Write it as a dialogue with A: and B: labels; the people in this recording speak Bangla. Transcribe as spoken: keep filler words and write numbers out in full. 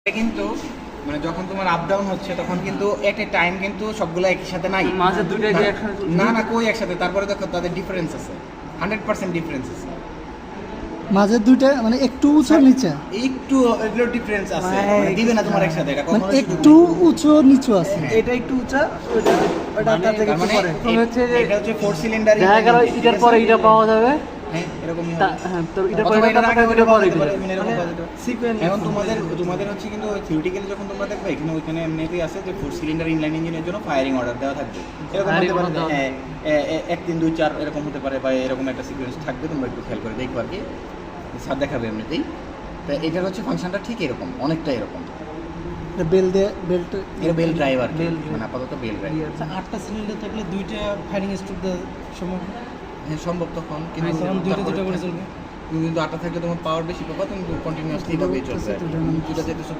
A: কিন্তু মানে যখন তোমার আপ ডাউন হচ্ছে তখন কিন্তু এট এ টাইম কিন্তু সবগুলো একই সাথে নাই,
B: মাঝে দুইটাই যে একসাথে চলছে।
A: না না কই একসাথে, তারপরে দেখো তাদের ডিফারেন্স আছে, হান্ড্রেড পার্সেন্ট ডিফারেন্স আছে,
C: মাঝে দুইটা মানে একটু উঁচু নিচে,
A: একটু এগুলো ডিফারেন্স আছে,
B: মানে
A: মানে দিবে না তোমার একসাথে, এটা
C: মানে
A: কখনো
C: একটু উঁচু নিচু আছে।
B: এটা একটু উঁচা, ওটা ওটা তার থেকে একটু পরে।
A: মানে
B: হচ্ছে যে
A: এটা হচ্ছে ফোর সিলিন্ডার,
B: দেখা গেল এটার পরে এটা পাওয়া যাবে।
A: হ্যাঁ এরকমই
B: তা-
A: হবে।
B: হ্যাঁ, তো এটার পরে
A: অথবা
B: এটা
A: এটার আগে
B: পাওয়া
A: ওইটা
B: যাবে, পরে
A: পাওয়া
B: এটা।
A: যেতে পারে, এরকম
B: মানে
A: পাওয়া যেতে পারে।
B: sequence
A: এখন তোমাদের তোমাদের হচ্ছে কিন্তু থিওরিটিক্যালি যখন তোমরা দেখবে এখানে ওইখানে এমনিতেই আছে যে ফোর সিলিন্ডার ইনলাইন ইঞ্জিনের জন্য ফায়ারিং অর্ডার দেওয়া থাকবে, এরকম
B: Firing
A: হতে পারে
B: order
A: যে,
B: দেওয়া
A: হ্যাঁ এ- এ- এক তিন দুই চার এরকম হতে পারে, বা এরকম একটা সিকোয়েন্স থাকবে, তোমরা একটু খেয়াল করে দেখো আর কি, স্যার দেখাবে এমনিতেই। তো এটার হচ্ছে ফাংশনটা ঠিক এরকম, অনেকটা এরকম,
C: বেল দিয়ে বেল্ট
A: এটা বেল ড্রাইভার,
B: Bell
A: মানে আপাতত বেল ড্রাইভার।
D: আচ্ছা, আটটা সিলিন্ডার থাকলে দুইটা ফায়ারিং স্ট্রোক দেওয়া সম্ভব,
A: হ্যাঁ সম্ভব তখন, কিন্তু
D: তখন দুইটা দুইটা করে
A: তারপরে-
D: চলবে।
A: তুমি কিন্তু আটটা থাকলে তোমার পাওয়ার বেশি পাবা, তুমি কন্টিনিউয়াসলি ভাবেই চলবে,
C: চলতেছে তো,
A: দুটা যেহেতু